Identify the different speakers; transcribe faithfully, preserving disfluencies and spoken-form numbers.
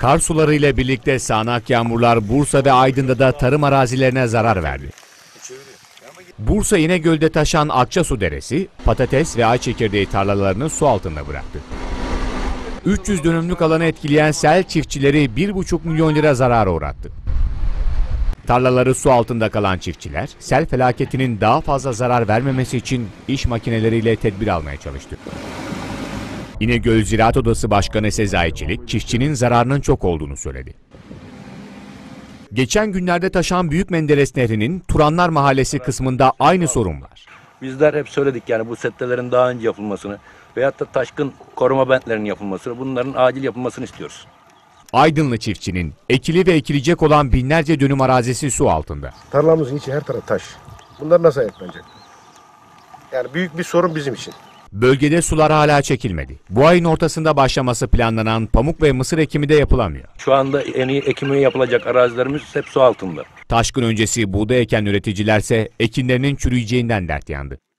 Speaker 1: Kar sularıyla birlikte sağanak yağmurlar Bursa ve Aydın'da da tarım arazilerine zarar verdi. Bursa İnegöl'de taşan Akçasu Deresi, patates ve ay çekirdeği tarlalarını su altında bıraktı. üç yüz dönümlük alanı etkileyen sel çiftçileri bir buçuk milyon lira zarara uğrattı. Tarlaları su altında kalan çiftçiler, sel felaketinin daha fazla zarar vermemesi için iş makineleriyle tedbir almaya çalıştı. İnegöl Ziraat Odası Başkanı Sezai Çelik, çiftçinin zararının çok olduğunu söyledi. Geçen günlerde taşan Büyük Menderes Nehri'nin Turanlar Mahallesi kısmında aynı sorun var.
Speaker 2: Bizler hep söyledik yani bu settelerin daha önce yapılmasını veyahut da taşkın koruma bentlerinin yapılmasını, bunların acil yapılmasını istiyoruz.
Speaker 1: Aydınlı çiftçinin ekili ve ekilecek olan binlerce dönüm arazisi su altında.
Speaker 3: Tarlamızın içi her taraf taş. Bunlar nasıl ayaklanacak? Yani büyük bir sorun bizim için.
Speaker 1: Bölgede sular hala çekilmedi. Bu ayın ortasında başlaması planlanan pamuk ve mısır ekimi de yapılamıyor.
Speaker 2: Şu anda en iyi ekimi yapılacak arazilerimiz hep su altında.
Speaker 1: Taşkın öncesi buğday eken üreticilerse ekinlerinin çürüyeceğinden dert yandı.